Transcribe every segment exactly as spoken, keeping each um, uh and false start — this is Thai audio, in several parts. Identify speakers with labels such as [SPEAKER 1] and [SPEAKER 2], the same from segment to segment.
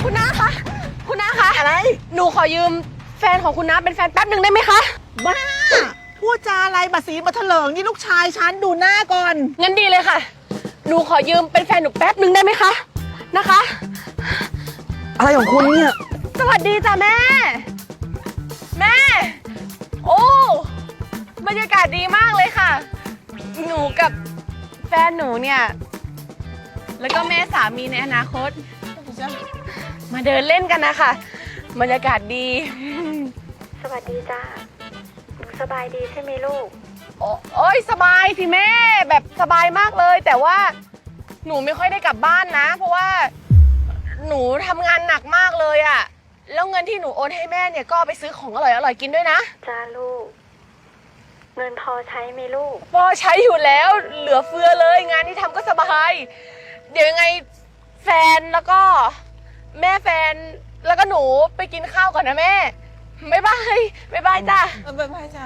[SPEAKER 1] คุณน้าคะคุณน้าคะ
[SPEAKER 2] อะไร
[SPEAKER 1] หนูขอยืมแฟนของคุณน้าเป็นแฟนแป๊บหนึ่งได้ไหมคะ
[SPEAKER 2] บ้าพูดจาอะไรมาสีมาเถลิงนี่ลูกชายฉันดูหน้าก่อน
[SPEAKER 1] งั้นดีเลยค่ะหนูขอยืมเป็นแฟนหนูแป๊บหนึ่งได้ไหมคะนะคะ
[SPEAKER 2] อะไรของคุณเนี่ย
[SPEAKER 1] สวัสดีจ้ะแม่แม่โอ้บรรยากาศดีมากเลยค่ะหนูกับแฟนหนูเนี่ยแล้วก็แม่สามีในอนาคตมาเดินเล่นกันนะคะบรรยากาศดี
[SPEAKER 3] สวัสดีจ้าหนูสบายดีใช่ไหมลูก
[SPEAKER 1] โอโอ้ยสบายสิแม่แบบสบายมากเลยแต่ว่าหนูไม่ค่อยได้กลับบ้านนะเพราะว่าหนูทำงานหนักมากเลยอะแล้วเงินที่หนูโอนให้แม่เนี่ยก็ไปซื้อของอร่อยอร่อยกินด้วยนะ
[SPEAKER 3] จ้าลูกเงินพอใช้ไหมลูก
[SPEAKER 1] พอใช้อยู่แล้วเหลือเฟือเลยงานที่ทำก็สบายเดี๋ยวยังไงแฟนแล้วก็แม่แฟนแล้วก็หนูไปกินข้าวก่อนนะแม่บ๊ายบายบ๊ายบายจ้า
[SPEAKER 2] บ๊ายบายจ้า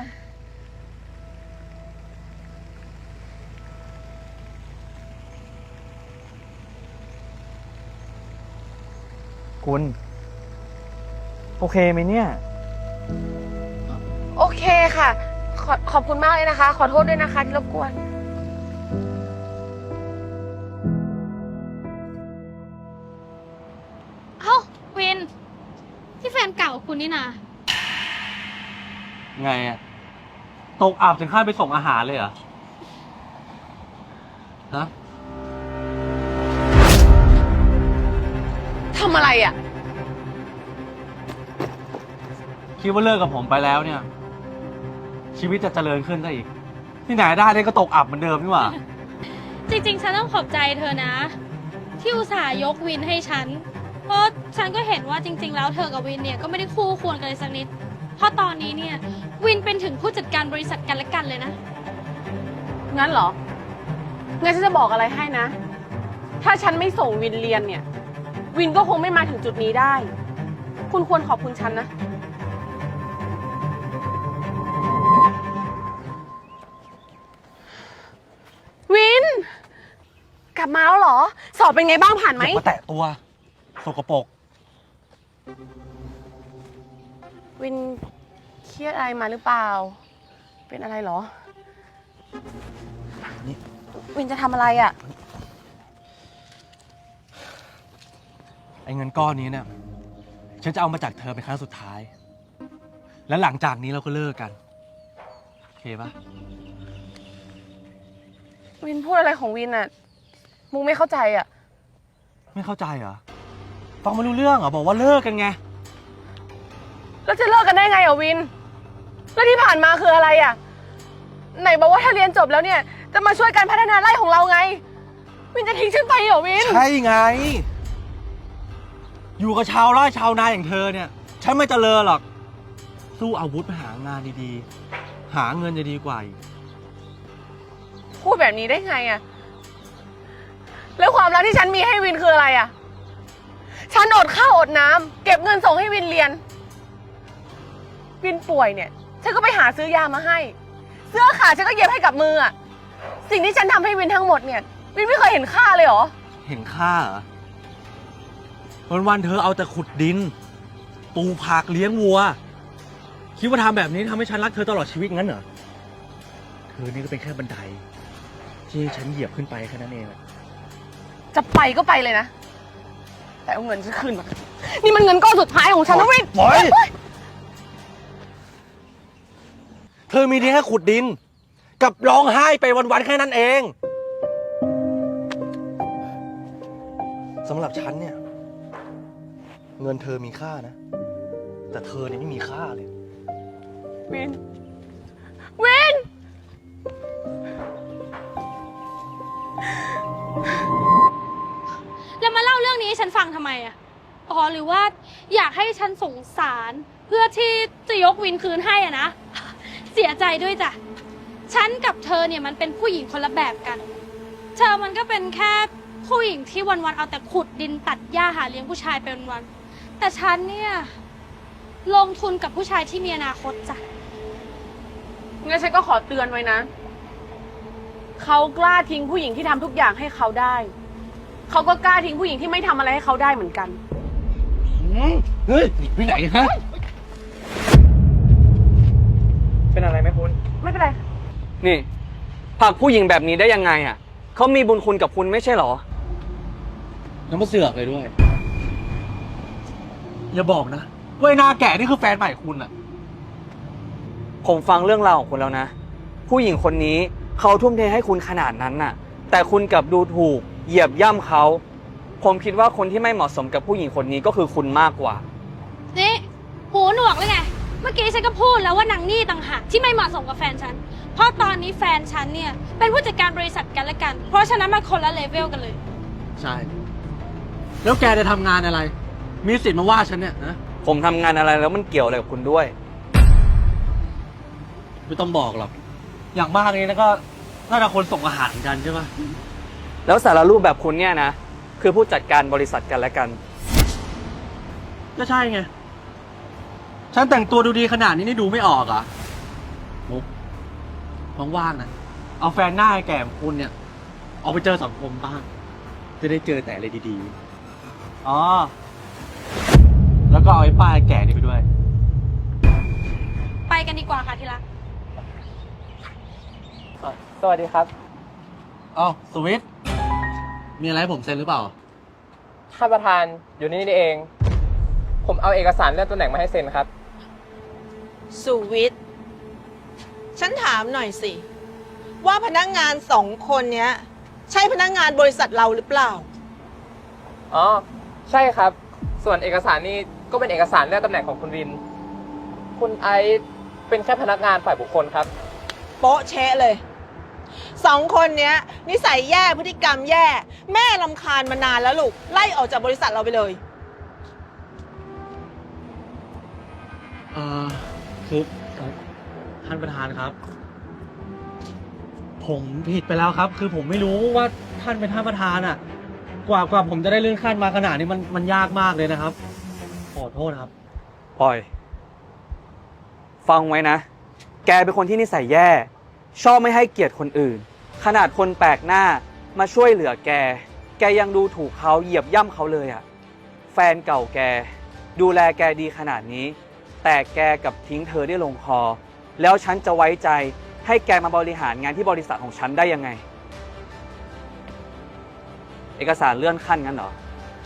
[SPEAKER 4] คุณโอเคไหมเนี่ย
[SPEAKER 1] โอเคค่ะขอขอบคุณมากเลยนะคะขอโทษด้วยนะคะที่รบกวน
[SPEAKER 5] เอ้าวินที่แฟนเก่าคุณนี่นะ
[SPEAKER 4] ไงอะตกอับถึงขั้นไปส่งอาหารเลยเหรอฮะ
[SPEAKER 1] ทำอะไรอ่ะ
[SPEAKER 4] คิดว่าเลิกกับผมไปแล้วเนี่ยชีวิตจะเจริญขึ้นได้อีกที่ไหนได้เลยก็ตกอับเหมือนเดิมนี่หว่า
[SPEAKER 5] จริงๆฉันต้องขอบใจเธอนะที่อุตส่าห์ยกวินให้ฉันเพราะฉันก็เห็นว่าจริงๆแล้วเธอกับวินเนี่ยก็ไม่ได้คู่ควรกันเลยสักนิดเพราะตอนนี้เนี่ยวินเป็นถึงผู้จัดการบริษัทกันและกันเลยนะ
[SPEAKER 1] งั้นเหรองั้นฉันจะบอกอะไรให้นะถ้าฉันไม่ส่งวินเรียนเนี่ยวินก็คงไม่มาถึงจุดนี้ได้คุณควรขอบคุณฉันนะวินกลับมาแล้วเหรอสอบเป็นไงบ้างผ่านไหม
[SPEAKER 4] อย่ามาแตะตัวสกปรก
[SPEAKER 1] วินเครียดอะไรมาหรือเปล่าเป็นอะไรเหรอนี่วินจะทำอะไรอ่ะ
[SPEAKER 4] ไอ้เงินก้อนนี้เนี่ยฉันจะเอามาจากเธอเป็นครั้งสุดท้ายและหลังจากนี้เราก็เลิกกันโอเคปะ
[SPEAKER 1] วินพูดอะไรของวินอ่ะมุกไม่เข้าใจอ่ะ
[SPEAKER 4] ไม่เข้าใจเหรอฟังไม่รู้เรื่องเหรอบอกว่าเลิกกันไง
[SPEAKER 1] แล้วจะเลิกกันได้ไงอ่ะวินแล้วที่ผ่านมาคืออะไรอ่ะไหนบอกว่าถ้าเรียนจบแล้วเนี่ยจะมาช่วยกันพัฒนาไร่ของเราไงวินจะทิ้งฉันไปเหรอวิน
[SPEAKER 4] ใช่ไงอยู่กับชาวไร่ชาวนาอย่างเธอเนี่ยฉันไม่เจริญหรอกสู้อาวุธไปหางานดีๆหาเงินจะดีกว่าอีก
[SPEAKER 1] พูดแบบนี้ได้ไงอ่ะแล้วความรักที่ฉันมีให้วินคืออะไรอ่ะฉันอดข้าวอดน้ำเก็บเงินส่งให้วินเรียนวินป่วยเนี่ยฉันก็ไปหาซื้อยามาให้เสื้อขาดฉันก็เย็บให้กับมืออ่ะสิ่งที่ฉันทำให้วินทั้งหมดเนี่ยวินไม่เคยเห็นค่าเลยเหรอ
[SPEAKER 4] เห็นค่าเหรอวันๆเธอเอาแต่ขุดดินปลูกผักเลี้ยงวัวคิดว่าทำแบบนี้ทำให้ฉันรักเธอตลอดชีวิตงั้นเหรอเธอนี่ก็เป็นแค่บันไดที่ฉันเหยียบขึ้นไปแค่นั้นเอง
[SPEAKER 1] จะไปก็ไปเลยนะแต่เอาเงินฉันคืนมานี่มันเงินก้อนสุดท้ายของฉันนะวิน
[SPEAKER 4] ปล่อยเธอมีดีแค่ขุดดินกับร้องไห้ไปวันๆแค่นั้นเองสำหรับฉันเนี่ยเงินเธอมีค่านะแต่เธอเนี่ยไม่มีค่าเลย
[SPEAKER 1] วินวิน
[SPEAKER 5] แล้วมาเล่าเรื่องนี้ให้ฉันฟังทำไมอ่ะอ๋อหรือว่าอยากให้ฉันสงสารเพื่อที่จะยกวินคืนให้อ่ะนะเสียใจด้วยจ้ะฉันกับเธอเนี่ยมันเป็นผู้หญิงคนละแบบกันเธอมันก็เป็นแค่ผู้หญิงที่วันๆเอาแต่ขุดดินตัดหญ้าหาเลี้ยงผู้ชายไปวันๆแต่ฉันเนี่ยลงทุนกับผู้ชายที่มีอนาคตจ้ะ
[SPEAKER 1] งั้นฉันก็ขอเตือนไว้นะเขากล้าทิ้งผู้หญิงที่ทำทุกอย่างให้เขาได้เขาก็กล้าทิ้งผู้หญิงที่ไม่ทำอะไรให้เขาได้เหมือนกัน
[SPEAKER 4] เฮ้ยไปไหนฮะ
[SPEAKER 6] เป็นอะไรไหมคุณ
[SPEAKER 1] ไม่เป็นไร
[SPEAKER 6] นี่ผลักผู้หญิงแบบนี้ได้ยังไงอ่ะเขามีบุญคุณกับคุณไม่ใช่เหรอ
[SPEAKER 4] แล้วมาเสือกเลยด้วย อย่าบอกนะว่าไอ้หน้าแก่นี่คือแฟนใหม่คุณอะ
[SPEAKER 6] ผมฟังเรื่องราวของคุณแล้วนะ ผู้หญิงคนนี้เขาทุ่มเทให้คุณขนาดนั้นน่ะ แต่คุณกลับดูถูกเหยียบย่ำเขา ผมคิดว่าคนที่ไม่เหมาะสมกับผู้หญิงคนนี้ก็คือคุณมากกว่า
[SPEAKER 5] นี่หูหนวกเลยไง เมื่อกี้ฉันก็พูดแล้วว่านางนี่ต่างหากที่ไม่เหมาะสมกับแฟนฉัน เพราะตอนนี้แฟนฉันเนี่ยเป็นผู้จัดการบริษัทกันและกัน เพราะฉะนั้นมันคนละเลเวลกันเลย
[SPEAKER 4] ใช่ แล้วแกจะทำงานอะไร มีสิทธิ์มาว่าฉันเนี่ยนะ
[SPEAKER 6] ผมทำงานอะไรแล้วมันเกี่ยวอะไรกับคุณด้วย
[SPEAKER 4] ไม่ต้องบอกหรอก อย่างมากนี้นะก็น่าจะคนส่งอาหารกันใช่ปะ
[SPEAKER 6] แล้วสารรูปแบบคุณเนี่ยนะคือผู้จัดการบริษัทกันและกัน
[SPEAKER 4] ก็ใช่ไง ฉันแต่งตัวดูดีขนาดนี้นี่ดูไม่ออกเหรอ่ะมุกว่างๆนะ เอาแฟนหน้าแก่ของคุณเนี่ย ออกไปเจอสังคมบ้าง จะได้เจอแต่อะไรดีๆ อ๋อ แล้วก็เอาไอ้ป้ายแก่นี่ไปด้วย
[SPEAKER 5] ไปกันดีกว่าค่ะที่รัก
[SPEAKER 6] สวัสดีครับ
[SPEAKER 4] อ้าวสวิต มีอะไรให้ผมเซ็นหรือเปล่า
[SPEAKER 7] ท่านประธานอยู่นี่นี่เอง ผมเอาเอกสารเลื่อนตำแหน่งมาให้เซ็นครับ
[SPEAKER 2] สุวิทย์ฉันถามหน่อยสิ ว่าพนักงานสองคนเนี้ย ใช่พนักงานบริษัทเราหรือเปล่า
[SPEAKER 7] อ๋อ ใช่ครับ ส่วนเอกสารนี่ก็เป็นเอกสารเลื่อนตำแหน่งของคุณริน คุณไอซ์เป็นแค่พนักงานฝ่ายบุคคลครับ
[SPEAKER 2] โป๊ะเชะเลย สองคนเนี้ย นิสัยแย่พฤติกรรมแย่ แม่ลำคาญมานานแล้วลูก ไล่ออกจากบริษัทเราไปเลย
[SPEAKER 4] เอ่อคือท่านประธานครับ ผมผิดไปแล้วครับ คือผมไม่รู้ว่าท่านเป็นท่านประธานอ่ะ กว่ากว่าผมจะได้เลื่อนขั้นมาขนาดนี้มันมันยากมากเลยนะครับ ขอโทษครับ
[SPEAKER 6] ปล่อย ฟังไว้นะ แกเป็นคนที่นิสัยแย่ ชอบไม่ให้เกียรติคนอื่น ขนาดคนแปลกหน้ามาช่วยเหลือแก แกยังดูถูกเขาเหยียบย่ำเขาเลยอะแฟนเก่าแก ดูแลแกดีขนาดนี้ แต่แกกับทิ้งเธอได้ลงคอ แล้วฉันจะไว้ใจให้แกมาบริหารงานที่บริษัทของฉันได้ยังไง เอกสารเลื่อนขั้นงั้นเหรอ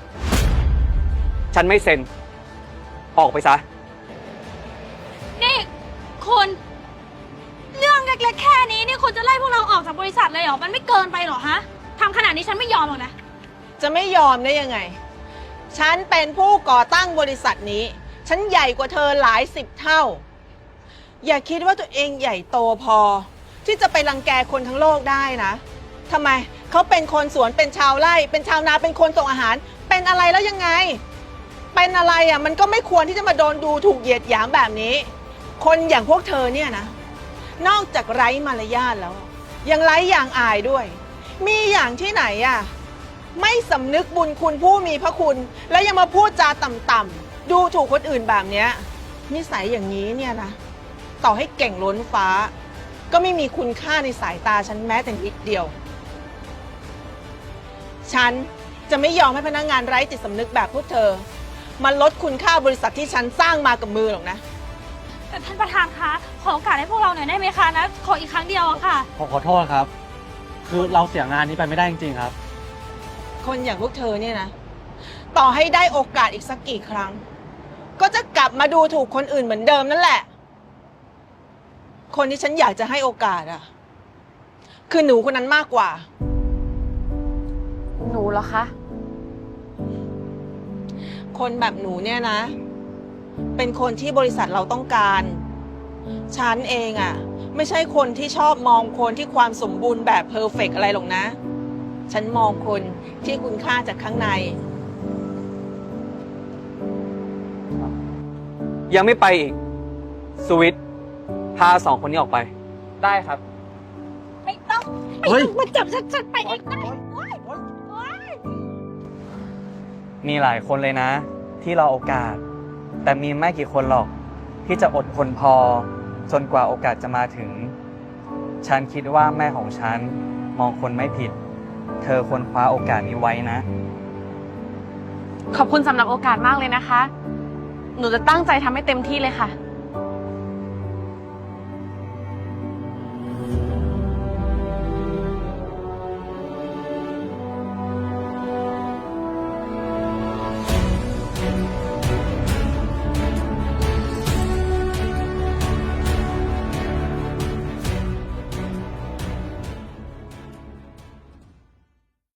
[SPEAKER 6] ฉันไม่เซ็น ออกไปซะ
[SPEAKER 5] นี่คุณเรื่องเล็กๆแค่นี้นี่คุณจะไล่พวกเราออกจากบริษัทเลยเหรอ มันไม่เกินไปเหรอฮะทำขนาดนี้ฉันไม่ยอมหรอกนะ
[SPEAKER 2] จะไม่ยอมได้ยังไง ฉันเป็นผู้ก่อตั้งบริษัทนี้ ฉันใหญ่กว่าเธอหลายสิบเท่า อย่าคิดว่าตัวเองใหญ่โตพอ ที่จะไปรังแกคนทั้งโลกได้นะทำไม เขาเป็นคนสวน เป็นชาวไร่ เป็นชาวนา เป็นคนส่งอาหาร เป็นอะไรแล้วยังไง เป็นอะไรอ่ะ มันก็ไม่ควรที่จะมาโดนดูถูกเหยียดหยามแบบนี้ คนอย่างพวกเธอเนี่ยนะ นอกจากไร้มารยาทแล้ว ยังไร้อย่างอายด้วย มีอย่างที่ไหนอ่ะ ไม่สำนึกบุญคุณผู้มีพระคุณ แล้วยังมาพูดจาต่ำๆดูถูกคนอื่นแบบเนี้ยนิสัยอย่างนี้เนี่ยนะ ต่อให้เก่งล้นฟ้า ก็ไม่มีคุณค่าในสายตาฉันแม้แต่นิดเดียว ฉันจะไม่ยอมให้พนักงานไร้จิตสำนึกแบบพวกเธอมาลดคุณค่าบริษัทที่ฉันสร้างมากับมือหรอกนะ
[SPEAKER 5] แต่ท่านประธานคะ ขอโอกาสให้พวกเราหน่อยได้ไหมคะนะ ขออีกครั้งเดียวอะค่ะ
[SPEAKER 4] ขอขอโทษครับ คือเราเสียงานนี้ไปไม่ได้จริงๆครับ
[SPEAKER 2] คนอย่างพวกเธอเนี่ยนะ ต่อให้ได้โอกาสอีกสักกี่ครั้ง ก็จะกลับมาดูถูกคนอื่นเหมือนเดิมนั่นแหละ คนที่ฉันอยากจะให้โอกาสอะคือหนูคนนั้นมากกว่า
[SPEAKER 1] หนูเหรอคะ
[SPEAKER 2] คนแบบหนูเนี่ยนะ เป็นคนที่บริษัทเราต้องการ ฉันเองอะไม่ใช่คนที่ชอบมองคนที่ความสมบูรณ์แบบเพอร์เฟกต์อะไรหรอกนะ ฉันมองคนที่คุณค่าจากข้างใน
[SPEAKER 6] ยังไม่ไปอีก สวิต พาสองคนนี้ออกไป
[SPEAKER 7] ได้ครับ
[SPEAKER 5] ไม่ต้อง ไม่
[SPEAKER 4] เฮ้ย
[SPEAKER 5] ต้องมาจับฉันฉันไปเองได้โอ๊ยโอ๊ย
[SPEAKER 6] มีหลายคนเลยนะ ที่รอโอกาส แต่มีไม่กี่คนหรอก ที่จะอดทนพอ จนกว่าโอกาสจะมาถึง ฉันคิดว่าแม่ของฉันมองคนไม่ผิด เธอควรคว้าโอกาสนี้ไว้นะ
[SPEAKER 1] ขอบคุณสำหรับโอกาสมากเลยนะคะ หนูจะตั้งใจทำให้เต็มที่เลยค่ะ